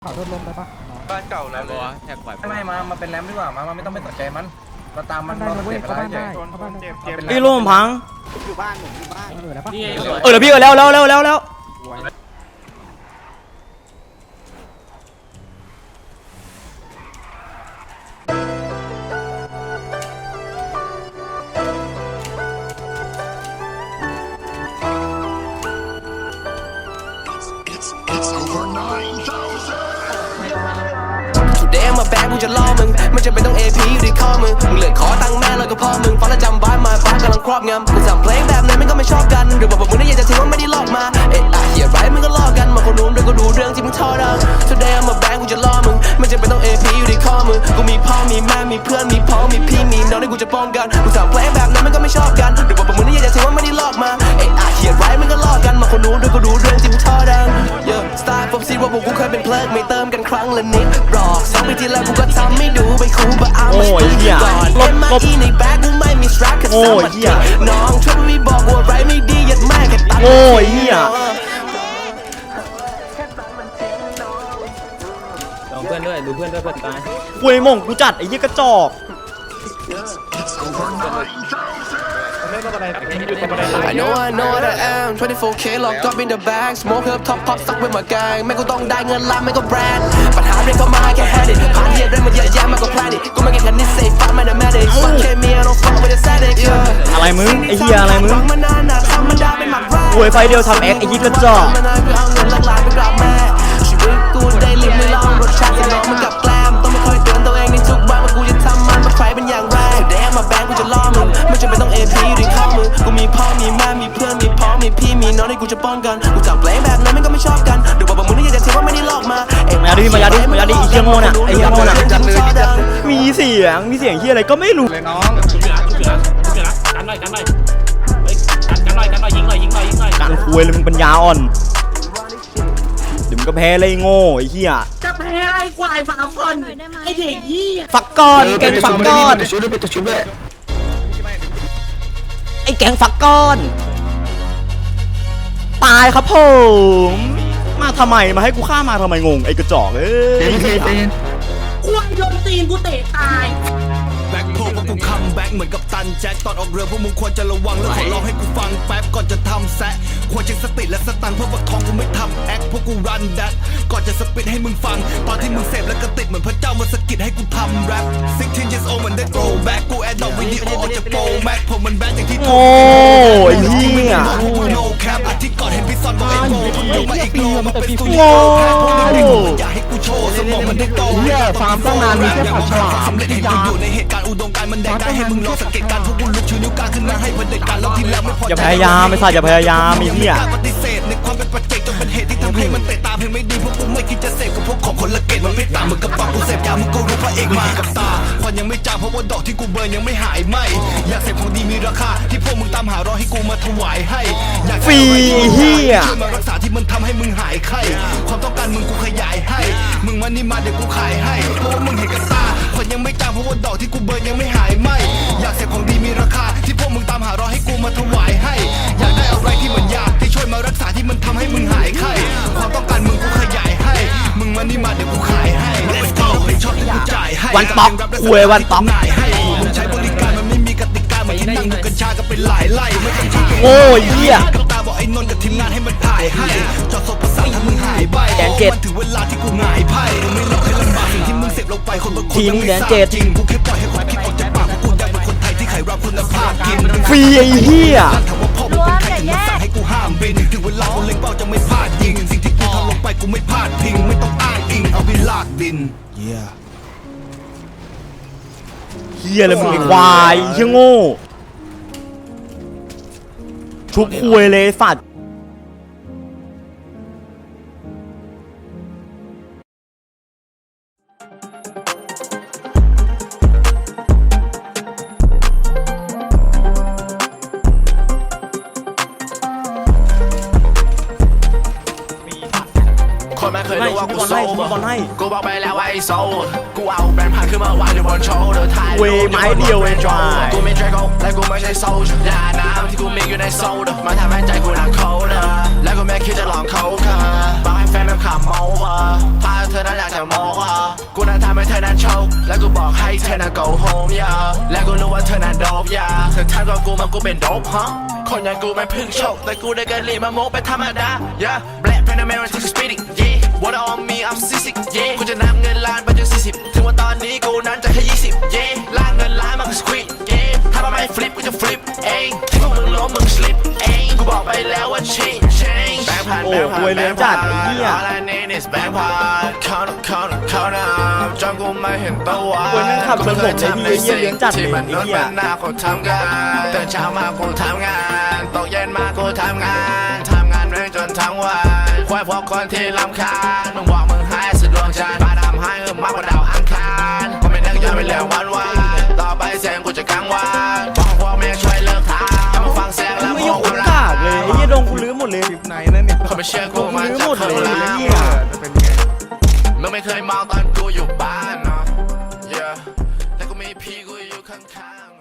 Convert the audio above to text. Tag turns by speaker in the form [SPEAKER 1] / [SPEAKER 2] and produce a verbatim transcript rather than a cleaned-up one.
[SPEAKER 1] ขอโทษลมได้ปะ
[SPEAKER 2] บ้านเก่าแล้วเลย
[SPEAKER 3] แท็กไหว
[SPEAKER 4] ไม่มามาเป็นแรมดีกว่ามาไม่ต้องไปสนใจมันเราตามมันเราเจ็บอะไรใหญ่
[SPEAKER 3] พี่ร่มพัง
[SPEAKER 1] อยู่บ้านผมอยู่บ้านเออได้ปะ
[SPEAKER 3] เออเดี๋ยวพี่เออแล้วแล้วแล้วแล้วแล้ว
[SPEAKER 5] เดมมาแบงกูจะล่อมึงมันจะเป็นต้อง เอ พี อยู่ที่ข้อมือมึงเหลือขอตังค์แม่แล้วก็พ่อมึงฟังแล้วจำบ้านมาฟ้ากำลังครอบงำกูสั่งเพลงแบบไหนมันก็ไม่ชอบกันหรือบอกมึงได้ยังจะถือว่าไม่ได้ลอกมาเอ๊ะอะเหี้ยไรมึงก็ลอกกันมาคนนู้นด้วยก็ดูเรื่องที่มึงทอดัง Today มาแบงกูจะล่อมึงมันจะเป็นต้อง เอ พี อยู่ที่ข้อมือกูมีพ่อมีแม่มีเพื่อนมีพ้องมีพี่มีน้องที่กูจะป้องกันกูสั่งเพลงแบบไหนมันก็ไม่ชอบกันหรือบอกมึงได้ยังจะถือว่าไม่ได้ลอกมาเอ๊ะอะเหี้ยไรมึงก็ลอกกันมาคนนู้นด้วยก็ดูเรื่องที่มึงทอดัง Yeah Star ผมซีว่าพวกกูเคยเป็นเพลิงไม่เติมกันครั้งละนิดรอสองปีที่แล้วกูก็ทำไม่ดูไปคูบะเอาไม่ดีก่อนเอ็มมาอีในแบ็คกูไม่มีสตรัคกับสมัครน้องช่วยไม่บอกว่าไรไม่ดียัดแม่แค่ตัดโอ้ยเหี้ย
[SPEAKER 3] ดูเพื่อนด้วยดูเพื่อนด้วยเพื่อนตาย
[SPEAKER 6] คุยมงกูจัดไอ้ยี่กระจอก
[SPEAKER 5] I know I know what I am ทเวนตี้โฟร์ เค locked up in the bag smoke up top pop stuck with my gang ไม่กูต้องได้เงินล้านไม่ก็แบรนด์ปัญหาเรียกเข้ามาแค่ had it ผ่านเหี้ยเรื่องมันเยอะแยะมากกว่า plan it กูไม่เก่งแค่นิสัยฟ้าไม่ได้ medic ฟังแค่เมีย don't fuck with the static
[SPEAKER 6] อะไรมึงไอ้เหี้ยอะไรมึงหวยไฟเดียวทำแอคไอ้ยี่กระจอกชีวิตกูได้ลิ้มไม่ลองรสชาติสนองมันกับแกล้มต้องไม่คอยเตือนตัวเองในทุกวันว่ากูจะทำมันว่าใครเป็นอย่างไรเดี๋ยวมาแบงกูจะล่อมึงไม่จำเป็นต้อง เอ พี อยู่ในข้อมือกูมีพ่อมีแม่มีเพื่อนมีพ้องมีพี่มีน้องที่กูจะป้องกันกูจับเพลงแบบนั้นมันก็ไม่ชอบกันเดี๋ยวบอกมึงนี่จะถือว่าไม่ได้ลอกมามายาดิมายาดิมายาดิไอ้เหี้ยโง่น่ะไอ้เหี้ยโง่น่ะมีเสียงมีเสียงเหี้ยอะไรก็ไม่รู้
[SPEAKER 4] เลยน้อง
[SPEAKER 3] กันหน่อยกันหน่อยกันหน่อยกันหน่อยยิงหน่อยยิงหน่อยยิงหน่อย
[SPEAKER 6] การคุยเลยมึงปัญญาอ่อนเดี๋ยวมึงก็แพ้เลยโง่ไอ้เหี้ย
[SPEAKER 7] จะแพ้ไอ้ควายฝาคอนไอ้เด็กยี่
[SPEAKER 6] ฝักก้อนแกงฝักก้อนไอ้แกงฝักก้อนตายครับผมมาทำไมมาให้กูฆ่ามาทำไมงงไอ้กระจอกเอ้ย
[SPEAKER 7] ควายโดนตีนกูเตะตาย
[SPEAKER 5] แบ็คโพพวกกูคัมแบ็คเหมือนกับตันแจ็คตอนออกเรือพวกมึงควรจะระวังแล้วขอร้องให้กูฟังแป๊บก่อนจะทำแซะควรเช็คสติและสตังค์เพราะว่าทองกูไม่ทำแอคพวกกูรันแดดก่อนจะสปิดให้มึงฟังตอนที่มึงเสพแล้วก็ติดเหมือนพระเจ้ามาสะกิดให้กูทำแรปสิบหก years old มันได้โกรแบ็คกูแอดดอกวิดีโอออกจากโปรแม็กผมมันแบนอย่างที่โง่
[SPEAKER 6] ไอ้เหี้ย
[SPEAKER 5] โนแคปอาทิตย์ก่อนเห็นพี่ซอนบอกไอ้โง่ผมยกมาอีกโลมาเป็นสุดย
[SPEAKER 6] อ
[SPEAKER 5] ดอยากให้กูโชว์สมองมันได้โต
[SPEAKER 1] เหี้ยฟาร์มตั้งนานมีแค่ผัดฉลาม
[SPEAKER 5] สำเร็จเห็นกูอยู่ในเหตุการณ์อุดมการณ์มันแดงได้ให้มึงลองสังเกตการพวกกูลุกชูนิ้วกลางขึ้นมาให้เผด็จการแล้วทีแล้วไม่พอ
[SPEAKER 6] อย่าพยายามไม่ใช่อย่าพยายามไอ้เหี้ย
[SPEAKER 5] ปฏิเสธในความเป็นปัจเจกจนเป็นเหตุที่ทำให้มันเตะตาเพียงไม่ดีพวกกูไม่คิดจะเสพกับพวกของคนละเกตมันไม่ตามมึงกับปากกูเสพยามึงก็รู้พระเอกมากับตาควันยังไม่จางเพราะว่าดอกที่กูเบิร์นยังไม่หายไหมอยากเสพของดีมีราคาที่พวกมึงตามหารอให้กูมาถวายให้อยาก
[SPEAKER 6] ฟรีเหี้ย
[SPEAKER 5] ช่วยมารักษาที่มันทำให้มึงหายไข้ความต้องการมึงกูขยายให้มึงมานี่มาเดี๋ยวกูขายให้เพราะว่ามึงเห็นกับตาควันยังไม่จางเพราะว่าดอกที่กูเบิร์นยังไม่หายไหมอยากเสพของดีมีราคาที่พวกมึงตามหารอให้กูมาถวายให้อยากได้อะไรที่เหมือนยาที่ช่วยมารักษาที่มันทำให้มึงหายไข้ความต้องการมึงกูขยายให้มึงมานี่มาเดี๋ยวกูขายให้ Let's go เป็นชอบที่กูจ่ายให้
[SPEAKER 6] วันป๊อกคุยวันป๊อก
[SPEAKER 5] มึงใช้บริการมันไม่มีกติกาเหมือนที่นั่งดูกัญชากันเป็นหลายไล่ไม่ต้องชี้
[SPEAKER 6] โอ้ยเหี้ย
[SPEAKER 5] ตาบอกไอ้นนท์กับทีมงานให้มันถ่ายให้จอดศพประสาทถ้ามึงหายไปมันถึงเวลาที่กูหงายไพ่ไม่หลอกให้ลำบากสิ่งที่มึงเสพลงไปคนบางคนยังไม่ทราบจริงกูแค่ปล่อยให้ความคิดออกจากปากกูอยากเป็นคนไทยที่ขายรับคุณภาพกิน
[SPEAKER 6] ฟรีไอ้เหี้ย
[SPEAKER 5] ให้กูห้ามบินถึงเวลากูเล็งเป้าจะไม่พลาดยิงสิ่งที่กูทำลงไปกูไม่พลาดพิงไม่ต้องอ้างอิงเอาไปลากดิน yeah
[SPEAKER 6] เหี้ยอะไรมึงไอ้ควายเหี้ยโง่ชุบคุยเลยสัตว์
[SPEAKER 5] คนไม่เคยรู้ว่ากูโซ่กูบอกไปแล้วว่าไอ้โซ่กูเอาแบรนด์ผ่านขึ้นมาวางอยู่บนโชว์เดินถ่ายรูปไม้เดียวเองจ้ากูไม่ใช่เขาและกูไม่ใช่โซ่ยาน้ำที่กูมีอยู่ในโซ่มาทำให้ใจกูหนักเขาเด้อและกูไม่คิดจะลองเขาค่ะบอกให้แฟน
[SPEAKER 6] นั้นขับเมาว่ะพาเธอนั้นอยากจะโมว่ะกูนั้นทำให้เธอนั้นโชว์และกูบอกให้เธอนั้น go home อย่าและกูรู้ว่าเธอนั้นโดบอย่าเธอทักกับกูมันกูเป็นโดบฮะคนอย่างกูไม่พึ่งโชคแต่กูได้กันลีมาโมเป็นธรรมดา yeah black panamera to speedy yeah what on me I'm sick yeah กูจะนับเงินล้านไปจนสี่สิบถึงว่าตอนนี้กูนั้นจะแค่ยี่สิบ yeah ล้านเงินล้านมันก็ squeak yeah ถ้ามันไม่ฟลิปกูจะฟลิปเองที่พวกมึงล้มมึง slip เองกูบอกไปแล้วว่า change change แบงค์พันแบงค์พันแบงค์พัน all I need is แบงค์พัน count up count up count up จนกูไม่เห็นตัวกูเคยทำในสิ่งที่มันนุษย์เป็นหน้าคนทำงานตื่นเช้ามากูทำงานตกเย็นมากูทำงานทำงานเรื่อยจนทั้งวันควายพวกคนที่รำคาญมึงบอกมึงหายสุดดวงจันทร์ฟ้าดำหายเออมากกว่าดาวอังคารกูไม่นึกย้อนไปแล้ววันวานต่อไปเสียงกูจะกังวานบอกพวกแม่งช่วยเลิกทำให้มึงฟังเสียงแล้ว
[SPEAKER 2] ไม่
[SPEAKER 6] ม
[SPEAKER 2] ย
[SPEAKER 6] อง
[SPEAKER 2] ก
[SPEAKER 6] ความรั
[SPEAKER 2] กาก กเลยไอ้เหี้ยดงกูลื้อหมดเลย
[SPEAKER 1] ไหนนั่นเนี่ย
[SPEAKER 6] เขาไม่เชื่อกูมันจะเคยรัก
[SPEAKER 1] จะเป็นไง
[SPEAKER 6] มึงไม่เคยมองตอนกูอยู่บ้านเนาะ yeah แต่กูมีพี่กูอยู่ข้างๆ